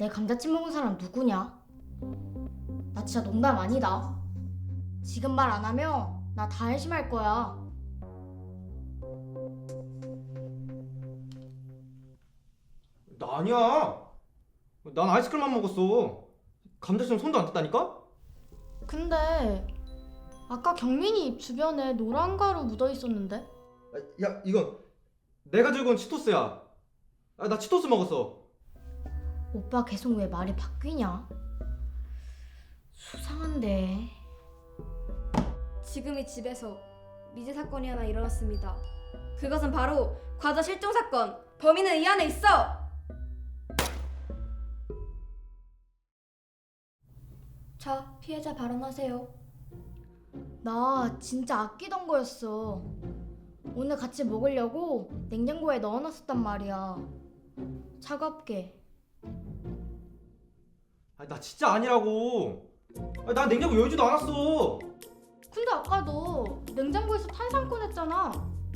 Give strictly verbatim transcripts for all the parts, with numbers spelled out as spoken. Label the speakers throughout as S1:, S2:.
S1: 내 감자칩 먹은 사람 누구냐? 나 진짜 농담 아니다. 지금 말 안 하면 나 다 해심할 거야.
S2: 나 아니야. 난 아이스크림만 먹었어. 감자처럼 손도 안 댔다니까?
S1: 근데 아까 경민이 입 주변에 노란 가루 묻어 있었는데?
S2: 야, 이건 내가 들고 온 치토스야. 아, 나 치토스 먹었어.
S1: 오빠 계속 왜 말이 바뀌냐? 수상한데.
S3: 지금 이 집에서 미제 사건이 하나 일어났습니다. 그것은 바로 과자 실종 사건. 범인은 이 안에 있어. 자, 피해자 발언하세요.
S1: 나 진짜 아끼던 거였어. 오늘 같이 먹으려고 냉장고에 넣어놨었단 말이야. 차갑게.
S2: 아, 나 진짜 아니라고. 아, 난 냉장고 열지도 않았어.
S1: 근데 아까 너 냉장고에서 탄산 꺼냈잖아.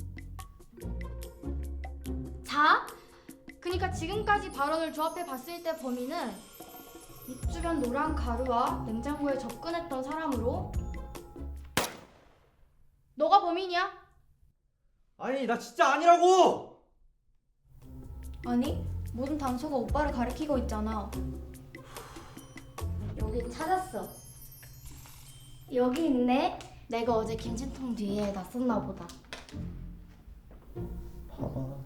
S1: 자, 그니까 지금까지 발언을 조합해 봤을 때 범인은 입 주변 노란 가루와 냉장고에 접근했던 사람으로 너가 범인이야?
S2: 아니, 나 진짜 아니라고.
S3: 아니, 모든 단서가 오빠를 가리키고 있잖아.
S1: 여기 찾았어. 여기 있네. 내가 어제 김치통 뒤에 놨었나 보다.
S2: 봐봐.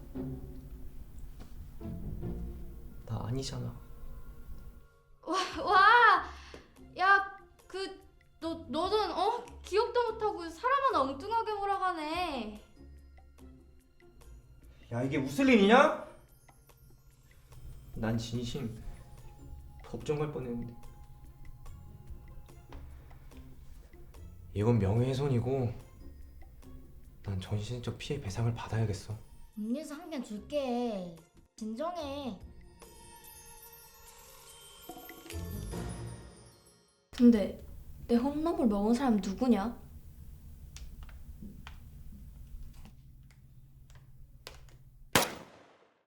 S2: 나 아니잖아.
S1: 와, 와, 야, 그, 너, 너는, 어? 기억도 못하고 사람 하나 엉뚱하게 몰아가네.
S2: 야, 이게 무슨 일이냐? 난 진심 법정 갈 뻔했는데. 이건 명예훼손이고 난 정신적 피해 배상을 받아야겠어.
S1: 음료수 한 캔 줄게. 진정해.
S3: 근데 내 홈런볼 먹은 사람 누구냐?